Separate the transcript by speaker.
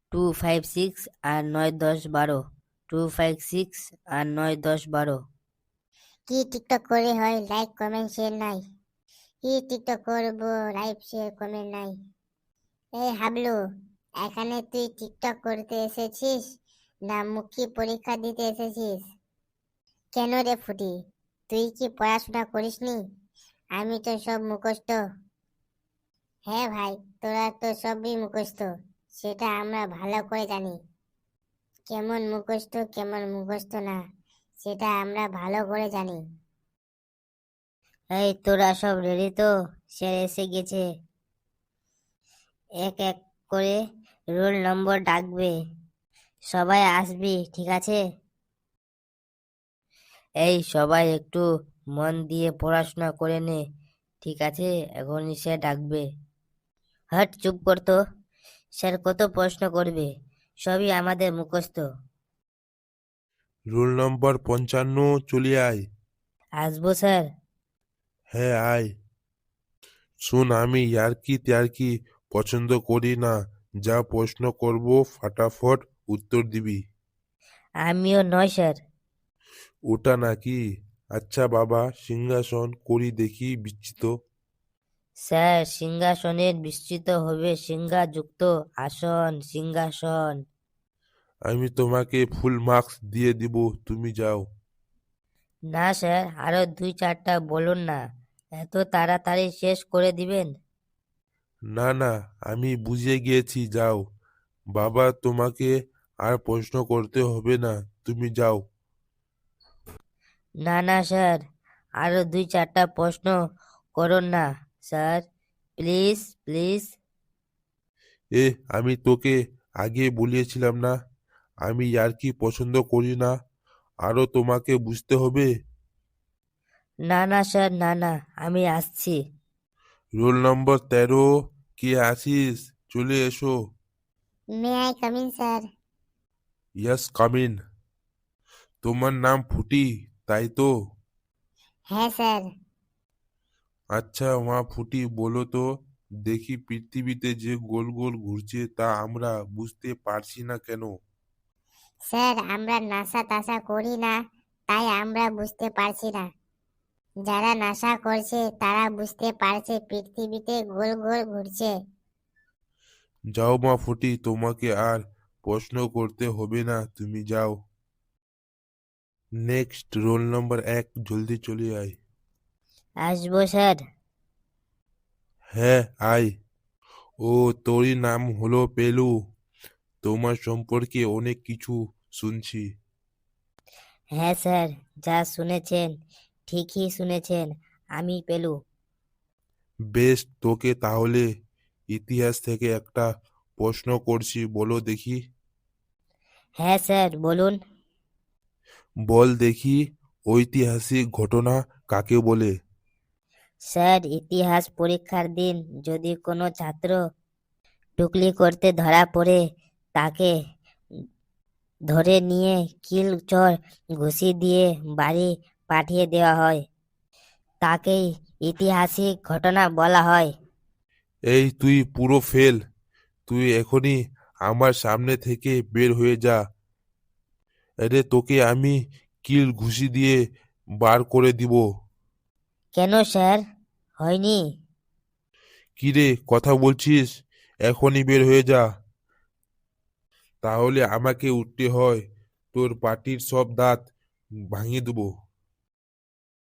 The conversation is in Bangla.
Speaker 1: 256 আর 9 10 12। 256 আর 9 10 12।
Speaker 2: কি টিকটক করে হয়, লাইক কমেন্ট শেয়ার নাই? কি টিকটক করবো, লাইক শেয়ার কমেন্ট নাই? এই হাবলু, এখানে তুই টিকটক করতে এসেছিস না মুখী পরীক্ষা দিতে এসেছিস? কেন রে ফুটি, তুই কি পড়াশোনা করিসনি? আমি তো সব মুখস্থ। হ্যাঁ ভাই, তোরা তো সবই মুখস্থ, সেটা আমরা ভালো করে জানি। কেমন মুখস্থ কেমন মুখস্থ না, সেটা আমরা ভালো করে জানি।
Speaker 1: এই তোরা সব রেডি তো? স্যার এসে গেছে। এক এক করে রোল নম্বর ডাকবে, সবাই আসবি, ঠিক আছে? এই সবাই একটু মন দিয়ে পড়াশোনা করে নে, ঠিক আছে? এখনই স্যার ডাকবে। হট, চুপ করতো। স্যার কত প্রশ্ন করবে, সবই আমাদের মুখস্থ।
Speaker 3: রোল নম্বর 55, চলে আয়।
Speaker 1: আসবো স্যার।
Speaker 3: হ্যাঁ আয়। শোন, আমি ইয়ার্কি ত্যার্কি পছন্দ করি না। যা প্রশ্ন করব ফাটাফট উত্তর দিবি।
Speaker 1: আমিও নয় স্যার।
Speaker 3: ওটা নাকি? আচ্ছা বাবা, সিংহাসন করি দেখি বিচ্ছিত।
Speaker 1: স্যার সিংহাসনের বিস্তৃত হবে সিংহাযুক্ত আসন, সিংহাসন।
Speaker 3: আমি তোমাকে ফুল মার্কস দিয়ে দিব, তুমি যাও।
Speaker 1: না স্যার, আরো 2 4টা বলুন না, এত তাড়াতাড়ি শেষ করে দিবেন?
Speaker 3: না না, আমি বুঝে গিয়েছি, যাও। বাবা, তোমাকে আর প্রশ্ন করতে হবে না, তুমি যাও।
Speaker 1: না না স্যার, আরো 2 4টা প্রশ্ন করুন না স্যার, প্লিজ প্লিজ।
Speaker 3: আমি তোকে আগে বলিয়েছিলাম না, আমি ইয়ার্কি পছন্দ করি না। আরো তোমাকে বুঝতে হবে।
Speaker 1: না না স্যার, না না, আমি আসছি।
Speaker 3: রোল নম্বর 13, কে আসিস? চলে এসো।
Speaker 2: May I come in sir?
Speaker 3: Yes, come in. তোমার নাম ফুটি, তাই তো?
Speaker 2: হ্যাঁ স্যার।
Speaker 3: আচ্ছা মা ফুটি, বলো তো দেখি, পৃথিবীতে যে গোল গোল ঘুরছে তা আমরা বুঝতে পারছি না কেন?
Speaker 2: স্যার আমরা নাসা তাসা করি না, তাই আমরা বুঝতে পারছি না। যারা নাসা করছে তারা বুঝতে পারছে পৃথিবীতে গোল গোল ঘুরছে।
Speaker 3: যাও মা ফুটি, তোমাকে আর প্রশ্ন করতে হবে না, তুমি যাও। নেক্সট, রোল নম্বর 1, জলদি চলে আয়।
Speaker 1: আসবো স্যার।
Speaker 3: হ্যাঁ আয়। ও, তোরই নাম হলো পেলু? তোমার সম্পর্কে অনেক কিছু শুনছি।
Speaker 1: হ্যাঁ স্যার, যা শুনেছেন ঠিকই শুনেছেন, আমি পেলু।
Speaker 3: বেশ, তোকে তাহলে ইতিহাস থেকে একটা প্রশ্ন করছি, বলো দেখি।
Speaker 1: হ্যাঁ স্যার, বলুন।
Speaker 3: বল দেখি, ঐতিহাসিক ঘটনা কাকে বলে?
Speaker 1: স্যার ইতিহাস পরীক্ষার দিন যদি কোনো ছাত্র টুকলি করতে ধরা পড়ে, তাকে ধরে নিয়ে কিল চর ঘুষি দিয়ে বাড়ি পাঠিয়ে দেওয়া হয়, তাকেই ঐতিহাসিক ঘটনা বলা হয়।
Speaker 3: এই তুই পুরো ফেল। তুই এখনই আমার সামনে থেকে বের হয়ে যা। আরে তোকে আমি কিল ঘুষি দিয়ে বার করে দিব।
Speaker 1: কেন স্যার, হয়নি?
Speaker 3: কিরে, কথা বলছিস? এখনই বের হয়ে যা, তাহলে আমাকে উঠতে হয়, তোর পাটির সব দাঁত ভাঙিয়ে দেবো।